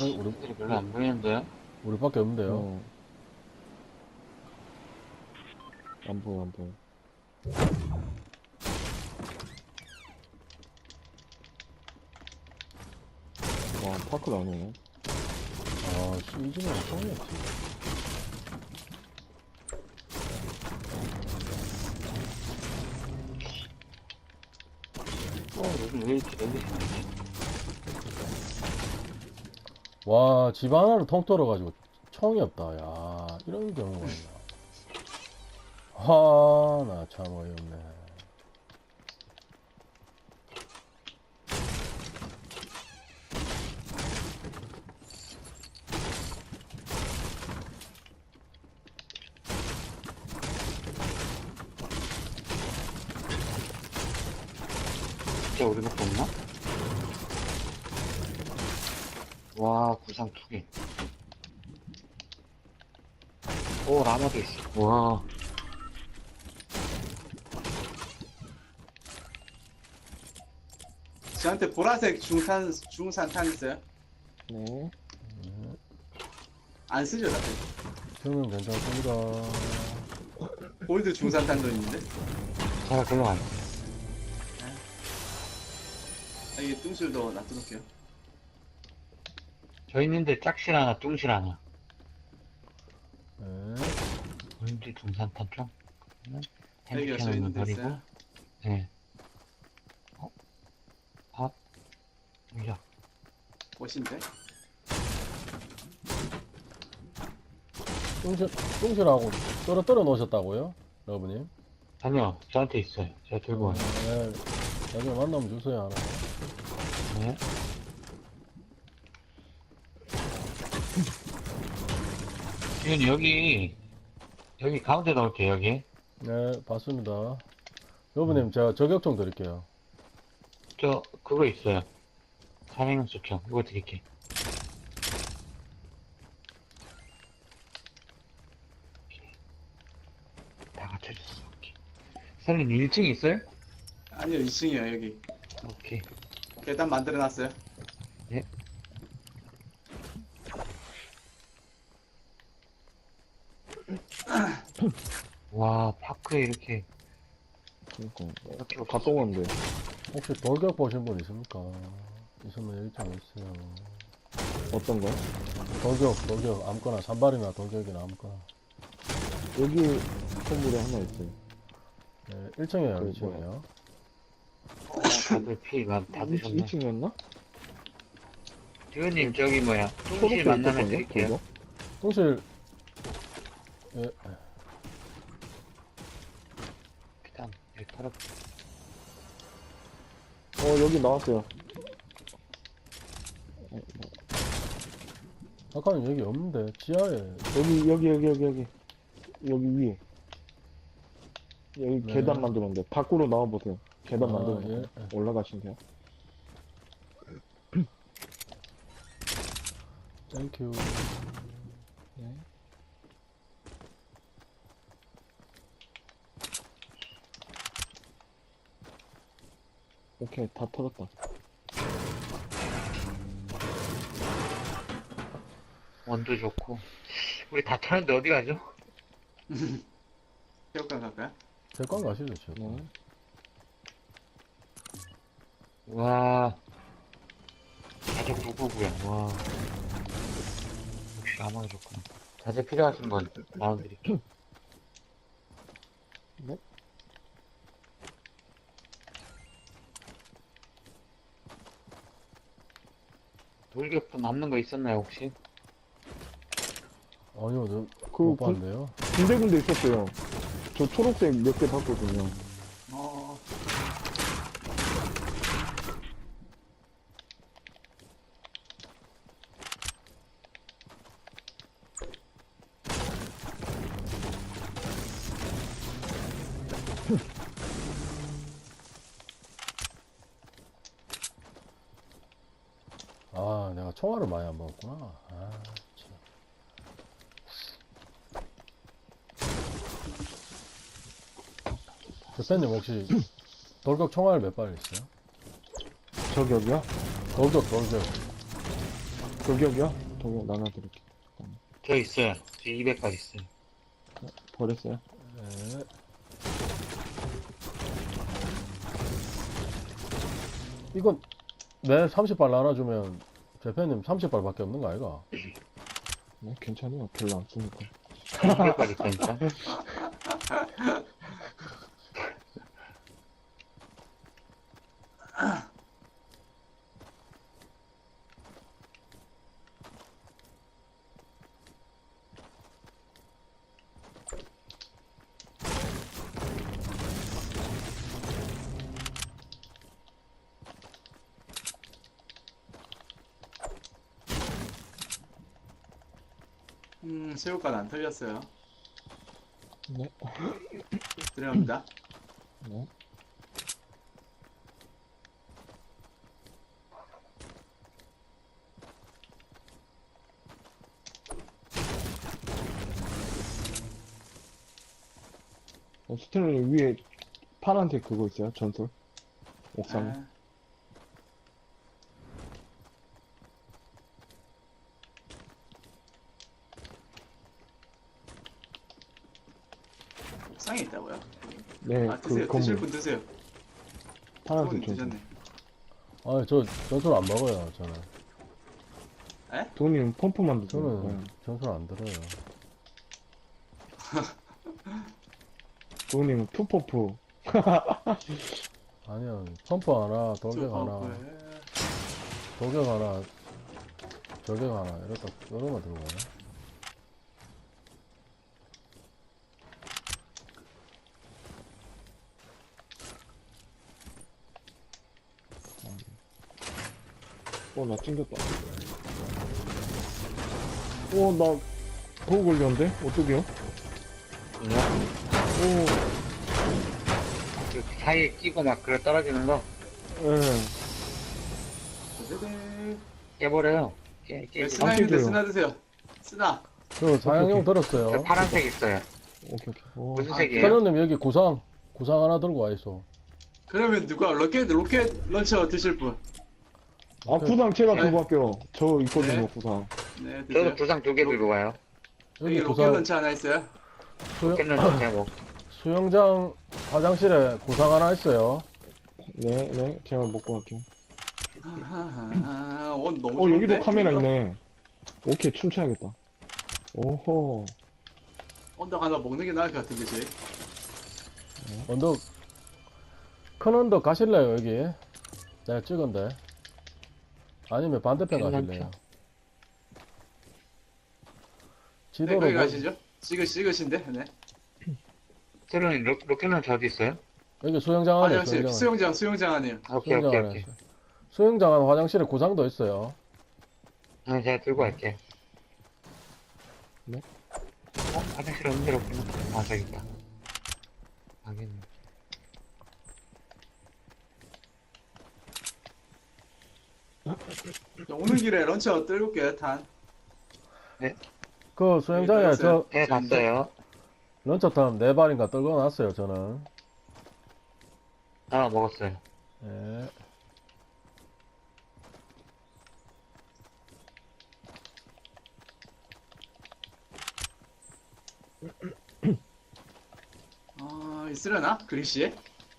애들이 별로 안 보이는데요? 우리밖에 없는데요. 어, 안 보여, 안 보여. 와, 파크 나오네. 아, 시즌은 처음이었지. 여기 왜 이렇게 애들이 많지? 와, 집 하나를 통틀어가지고 총이 없다. 야, 이런 경우가 있나. 하, 나 참 어이없네. 진짜 우리밖에 없나? 와, 구상 2개. 오, 라마도 있어. 와. 저한테 보라색 중산탄 있어요? 네. 안 쓰죠, 다들. 저는 괜찮습니다. 골드 중산탄도 있는데. 제가 글로 가요. 이게 뚱실도 놔둬놓을게요. 저 있는데 짝실 하나, 뚱실 하나. 네. 보인지 중산탄 좀? 여기가 저 햄스캐너는 있는 데 버리고. 있어요? 네. 여기야. 꽃인데? 똥실하고 떨어뜨려 놓으셨다고요? 여러분님? 아니요, 저한테 있어요. 제가 들고 와요. 네. 나중에 만나면 주세요, 하나. 네. 지금 여기 가운데 넣을게요, 여기. 네, 봤습니다. 여러분님, 제가 저격총 드릴게요. 그거 있어요. 사명용 수평. 이거 드릴게. 다 갖춰졌어. 오케이. 선생님 1층 있어요? 아니요, 2층이요, 여기. 오케이. 계단 만들어놨어요. 네. 와, 파크에 이렇게. 그니까. 이렇게 갔다 오는데. 혹시 돌격 보신 분 있습니까? 있으면 여기 좀 있어요. 어떤 거? 돌격, 아무거나, 산발이나 돌격이나 아무거나. 여기 건물에 하나 있어요. 네, 1층이에요, 그 1층이에요. 다들 피가 다 드셨네. 2층이었나? 지원님, 저기 뭐야. 뚱실 초록색 만나면 있었거든요, 드릴게요. 그거? 똥실, 예, 일단, 여기 털어. 여기 나왔어요. 아까는 여기 없는데, 지하에. 여기 위에. 여기 네. 계단 만들었는데, 밖으로 나와보세요. 계단 아, 만들었는데. 예. 올라가시면 돼요. 땡큐. 네. 오케이, 다 털었다. 원도 좋고. 우리 다 털었는데 어디 가죠? 체육관 갈까요? 제관 가시죠, 제관. 네. 와. 자재 999야. 와. 역시 아마가 좋구나. 자재 필요하신 분 나눠드릴게요. 네? 돌격도 남는 거 있었나요, 혹시? 아니요, 그, 못 봤는데요. 군데군데 있었어요. 저 초록색 몇 개 봤거든요. 어, 아, 내가 총알을 많이 안 먹었구나. 아, 참. 대표님 혹시 돌격 총알 몇 발 있어요? 저격이요? 돌격. 저기요? 저기 나눠드릴게. 저 있어요. 저 200발 있어요. 버렸어요? 네. 이건 내 30발 나눠주면 대표님 30발밖에 없는 거 아이가? 네, 괜찮아요. 별로 안 쓰니까. 200발 있다니까. 새우깡 안 털렸어요. 네. 들어갑니다. 네. 스텔라님 위에 파란색 그거 있어요? 전설? 옥상에? 아, 옥상에 있다고요? 네, 아, 그 드세요. 드실 건물. 분 드세요. 파란색 손님 전설. 드셨네. 아, 저 전술 안 먹어요, 저는. 돈님 펌프만 드세요. 저는 전술 안 들어요. 돈님 투퍼프. 아니요, 펌프 하나, 돌격 하나, 돌격 하나, 저격 하나, 이렇다, 이런 거 들고 가네. 나 찡겼다. 나 버그 걸렸는데? 어떡해요? 그냥 오, 그 사이에 끼고 막 그래 떨어지는 거 예. 네네. 깨버려요. 깨. 스나 있는데 깨져요. 스나 드세요. 스나. 저 사양용 저 들었어요. 파란색 있어요. 오케이. 오, 무슨 아, 색이에요? 선우님 여기 구상 하나 들고 와 있어. 그러면 누가 로켓 런처 드실 분? 아, 구상 제가 네. 들고 갈게요. 저 있거든요, 네. 구상. 네, 드세요. 저도 구상 2개 들고 가요. 여기 여기 로켓 구상 런처 하나 있어요. 깨는 제목. 수영장 화장실에 구상 하나 있어요. 네, 제가 먹고 갈게요. 너무 좋은데? 여기도 카메라 있네. 오케이, 춤춰야겠다. 오호. 언덕 하나 먹는 게 나을 것 같은데, 쟤. 언덕 큰 언덕 가실래요 여기? 내가 찍은데. 아니면 반대편 괜찮죠. 가실래요? 네, 지도로 거기 보- 가시죠. 찍으신데, 네. 새로운 로켓은 어디 있어요? 여기 수영장 안에 화장실, 수영장 안에요. 오케이, 수영장 오케이, 안에 오케이. 있어요. 수영장 안 화장실에 구상도 있어요. 네, 제가 들고 갈게요. 네? 화장실 없는 데로 없구나. 아, 저기 있다. 알겠네. 오는 길에 런처 떨고 올게요, 탄. 그 수영장에 여기 저 네, 봤어요. 런처탄 4발인가 떨궈 놨어요 저는. 아, 먹었어요. 예. 있으려나? 그리시?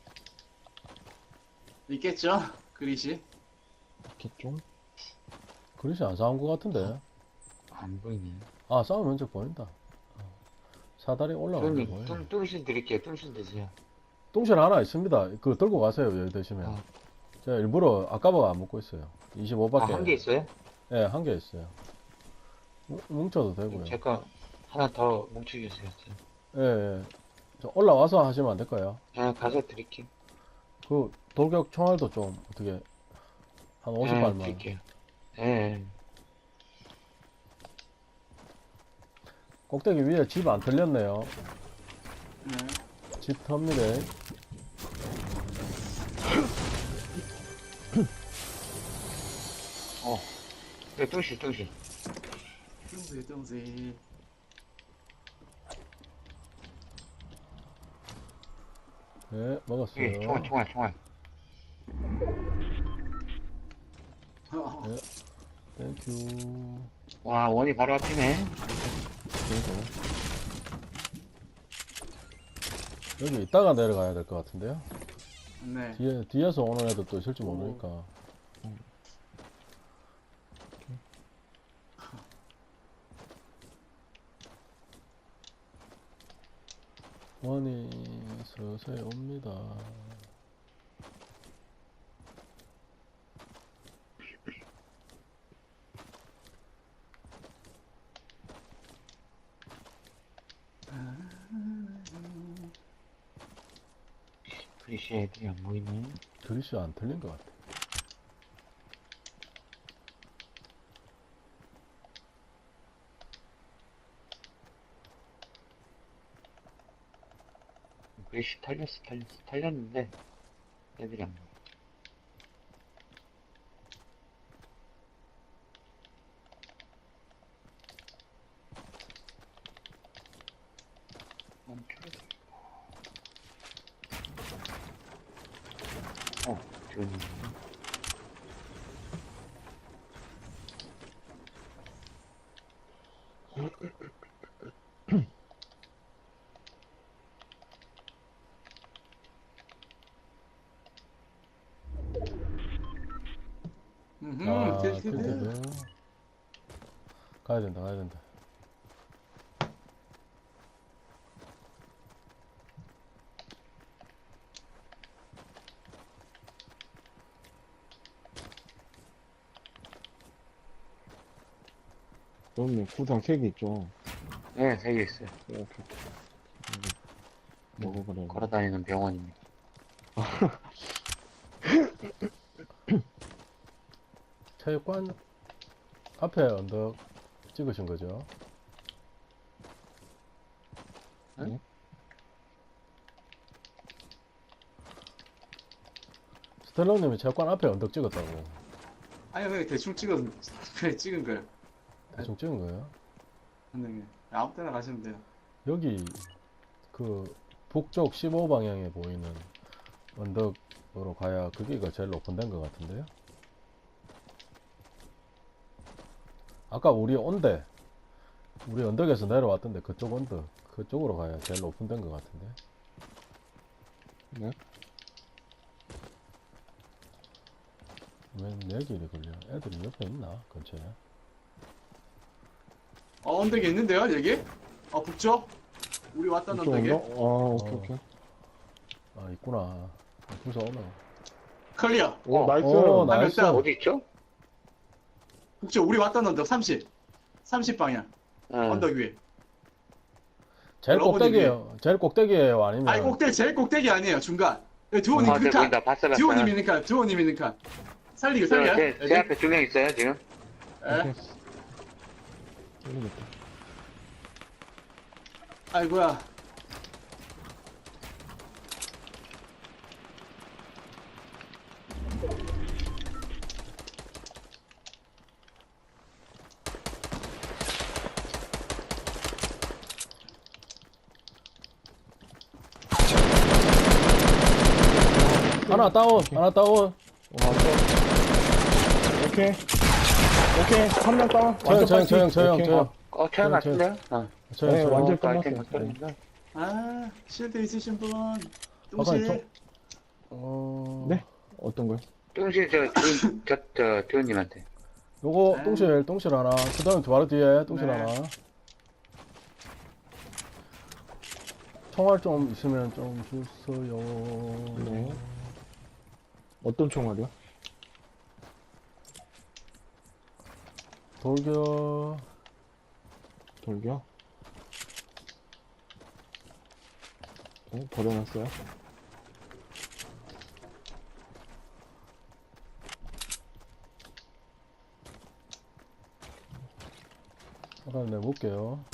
있겠죠? 그리시? 있겠죠? 그릇이 안 싸운 것 같은데. 안 보이네. 아 싸움 면적 보인다. 사다리 올라가는 거 손님, 보여요. 뚱신 드릴게요. 뚱신 드세요. 똥실 하나 있습니다. 그거 들고 가세요 여기 드시면. 아. 제가 일부러 아까보다 안 먹고 있어요. 아, 25밖에. 한 개 있어요? 예, 한 개 있어요. 뭉쳐도 되고요. 제거 하나 더 뭉쳐주세요. 예, 예. 저 올라와서 하시면 안 될까요? 제가 가서 드릴게요. 그 돌격 총알도 좀 어떻게 한 50발만. 드릴게요. 예. 꼭대기 위에 집 안 털렸네요. 네. 집 텁니다. 네, 뚱신. 뚱지. 네, 먹었어요. 여기 총알. 어, 네. 땡큐. 와, 원이 바로 앞이네. 그래서 여기 이따가 내려가야 될 것 같은데요? 네. 뒤에서 오는 애도 또 있을지 모르니까. 원이 서서히 옵니다. 그리시 애들이 안 보이네. 글씨 안 틀린 것 같아. 그리시 탈렸는데 애들이 안 보여. 좋은 일이네. 틸티드. 틸티드. 가야 된다, 가야 된다. 그럼요. 구상 3개 있죠. 네, 3개 있어요. 이렇게. 먹어버려. 걸어다니는 병원입니다. 체육관 앞에 언덕 찍으신 거죠? 응? 스텔로님이 체육관 앞에 언덕 찍었다고. 아니 그냥 대충 그냥 찍은 거예요. 대충 찍은 거예요? 선생님 아무 때나 가시면 돼요. 여기 그 북쪽 15방향에 보이는 언덕으로 가야 거기가 제일 오픈된 것 같은데요? 아까 우리 언덕에서 내려왔던데 그쪽 언덕 그쪽으로 가야 제일 오픈된 것 같은데. 네? 왜 내 길이 걸려? 애들이 옆에 있나 근처에? 언덕에 있는데요 여기? 북쪽? 우리 왔던 이쪽 언덕에? 언덕? 오케이, 어. 오케이. 아 있구나. 무서 오네. 클리어. 오, 나이스. 오, 나이스. 명 어디 있죠? 북쪽 우리 왔던 언덕 30 방향. 언덕 위에. 제일 여러분이 꼭대기에요. 제일 꼭대기에요. 아니면 아니 제일 꼭대기 아니에요 중간. 두호님 아, 저 그 보인다. 칸. 봤어. 두호님 있는 칸. 살려. 제 앞에 2명 있어요, 지금. 예? 오케이. 모르겠다. 아이고야. 하나 다운. 하나 다운. 오케이. 오케이. 한 명 다운. 저형. 태어났는데요? 네, 완전 아이템 끝났어요. 바뀌었는데. 실드 있으신 분. 아까 똥실. 네? 어떤 거요? 뚱실 두원님한테. 요거 아. 똥실 하나. 그 다음에 바로 뒤에 똥실 네. 하나. 총알 좀 있으면 좀 주세요. 네. 어떤 총알이요? 돌격. 돌기요? 버려놨어요? 잠깐 내볼게요.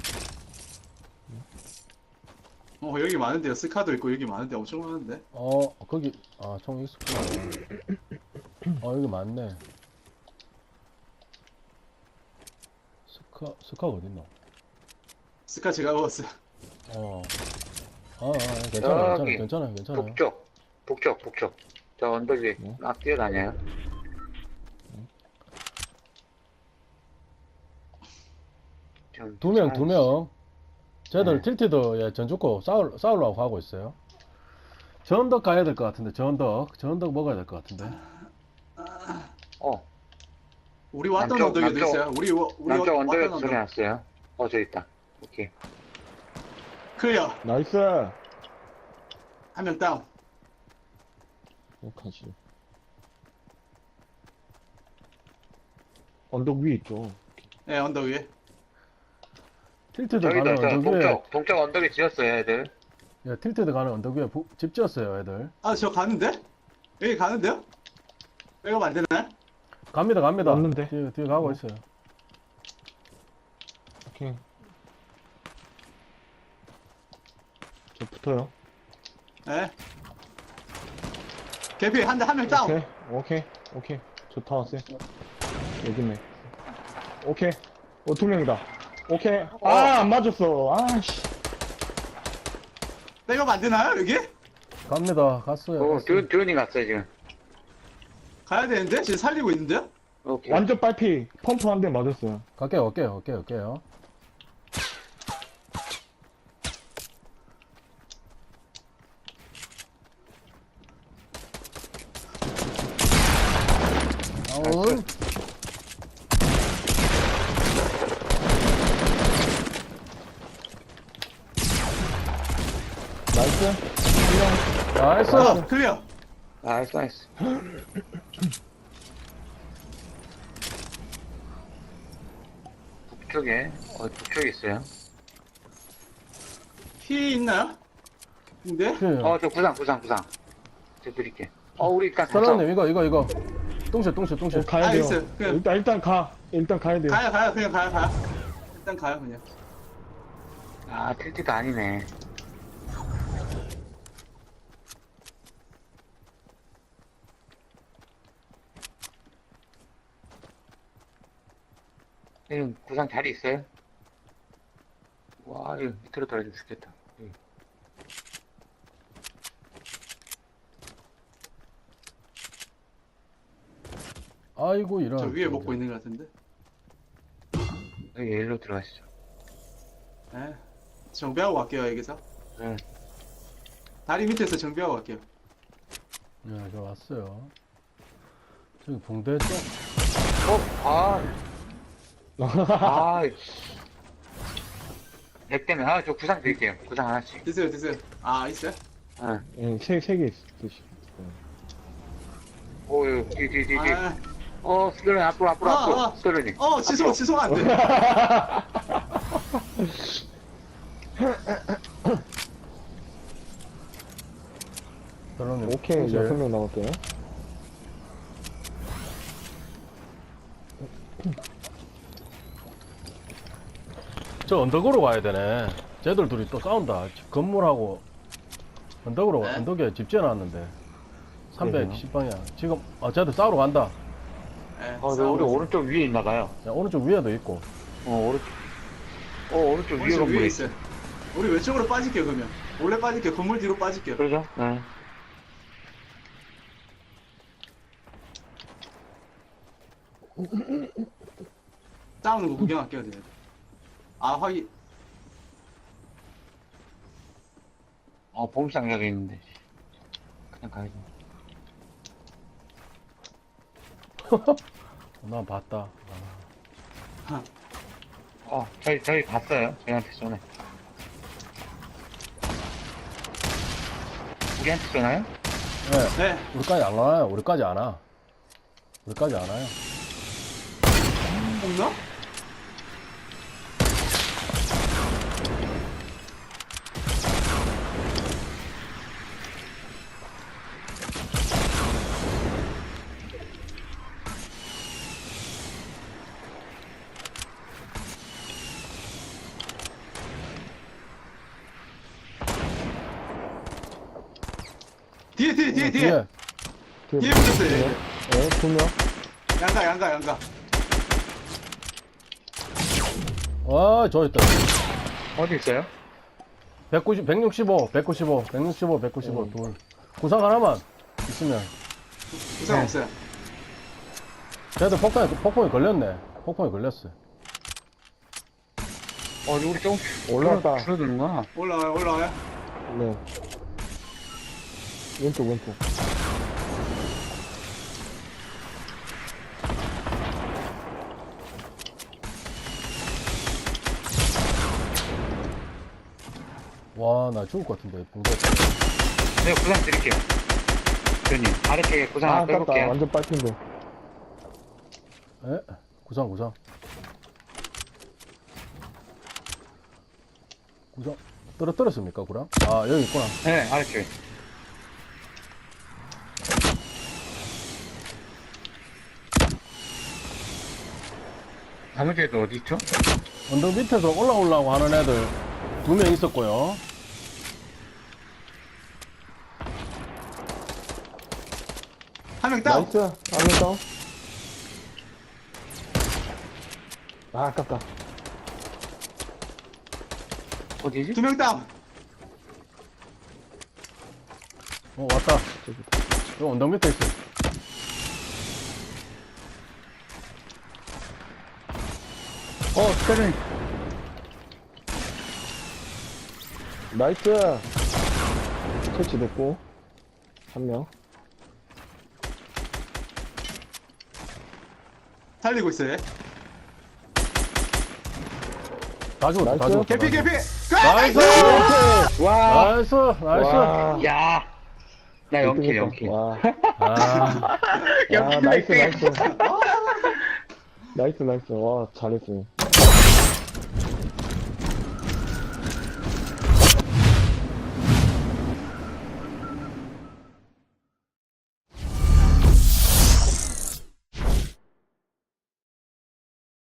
여기 많은데요. 스카도 있고 여기 많은데 엄청 많은데. 거기 총 있었구나. 여기 많네. 스카 어딨노? 스카 제가 먹었어요. 저기, 괜찮아요. 북쪽. 저 언덕 위에 네. 막 뛰어다녀요. 좀. 두 명. 쟤들 네. 틸티드 예, 전주고 싸우려고 하고 있어요. 전덕 가야 될 것 같은데, 전덕 먹어야 될 것 같은데. 어, 우리 왔던 남쪽, 언덕에도 남쪽. 있어요. 우리 남쪽 왔던 언덕에서 언덕. 소리 났어요. 저 있다. 오케이. 클리어. 나이스. 한 명 다운. 어떡하지? 언덕 위에 있죠. 예, 언덕 위에. 틸티드 저기도, 가는 저 언덕 위에, 동쪽 언덕에 지었어요, 애들. 예, 틸티드 가는 언덕 위에 집 지었어요, 애들. 아, 저 가는데? 여기 가는데요? 백업 안 되나요? 갑니다. 왔는데. 뒤에 가고 있어요. 오케이. 저 붙어요. 예. 개피 한 명 다운. 오케이. 저 다 왔어요. 여기네. 오케이. 두 명이다. 오케이. 아, 안 맞았어. 아씨. 백업 안 되나요, 여기? 갑니다. 갔어요. 듀온이 갔어요, 지금. 가야 되는데? 지금 살리고 있는데요? 오케이. 완전 빨피. 펌프 한 대 맞았어요. 갈게요. 다운. 나이스. 나이스. 클리어. 나이스. 북쪽에 있어요. 피 있나요? 근데? 그, 저 구상. 저 드릴게. 우리 일단 사장님, 이거. 똥실. 가야 돼요. 있어요. 그냥- 일단 가. 일단 가야 돼요. 가요. 그냥 가요. 일단 가요, 그냥. 틸티도 아니네. 구상 자리 있어요? 와, 이거 밑으로 떨어지면 죽겠다. 아이고, 이런. 저 위에 먹고 있는 것 같은데? 여기 일로 들어가시죠. 예. 정비하고 갈게요, 여기서. 네. 다리 밑에서 정비하고 갈게요. 네, 저 왔어요. 저기 봉대 쪽. 백 때문에, 저 구상 드릴게요. 구상 하나씩. 드세요. 아, 있어요? 응. 세 개 있으시. 뒤. 아, 스토리 앞으로. 스토리. 취소가 안 돼. 사장님. 오케이. 똥실. 6명 남았어요. 저 언덕으로 가야 되네. 쟤들 둘이 또 싸운다. 건물하고 언덕으로, 네? 언덕에 집 지어놨는데. 그러게요. 310방향. 지금, 쟤들 싸우러 간다. 예, 우리 싸우고 오른쪽 위에 있나봐요. 야, 오른쪽 위에도 있고. 오른쪽 위에 오른쪽 건물에 위에 있어. 있어요. 우리 왼쪽으로 빠질게요, 그러면. 원래 빠질게요. 건물 뒤로 빠질게요. 그러죠? 네. 싸우는 거 구경할게요, 내가. 아, 확인. 보험상 여기 있는데. 그냥 가야지. 난 봤다. 저희 봤어요. 저희한테 전에. 우리한테 전화요? 네. 네. 우리까지 안 와요. 우리까지 안 와. 우리까지 안 와요. 없나? 뒤에. 뒤에 붙었어요. 얘. 네, 2명. 양가. 와, 저 있다. 어디 있어요? 165, 둘. 구상 하나만 있으면. 부상 없어요. 쟤들 폭풍에 걸렸네. 폭풍에 걸렸어. 우리 좀 올라왔다. 줄어드는구나. 올라와요, 올라와요. 네. 왼쪽, 왼쪽. 와, 나 죽을 것 같은데, 붕대. 내가 구상 드릴게요. 대표님, 아래쪽에 구상 하나 아깝다. 빼볼게요. 완전 빨핀데. 에? 구상. 구상. 떨어졌습니까, 구랑? 아, 여기 있구나. 네, 아래쪽에. 나머지도 어디 있죠? 언덕 밑에서 올라오려고 하는 애들 2명 있었고요. 한 명 다운. 나이스. 한명 다운. 아, 아깝다. 어디지? 2명 다운. 왔다. 여기 언덕 밑에 있어. 스페린. 나이스. 터치됐고. 한 명. 살리고 있어요. 다 죽었다, 다 나이스. 죽었다. 개피, 개피. 나이스! 와. 나이스! 나이스! 와. 야, 나 연킬, 연킬. 와. 아, 야, 나이스, 나이스. 나이스, 나이스. 와, 잘했어요.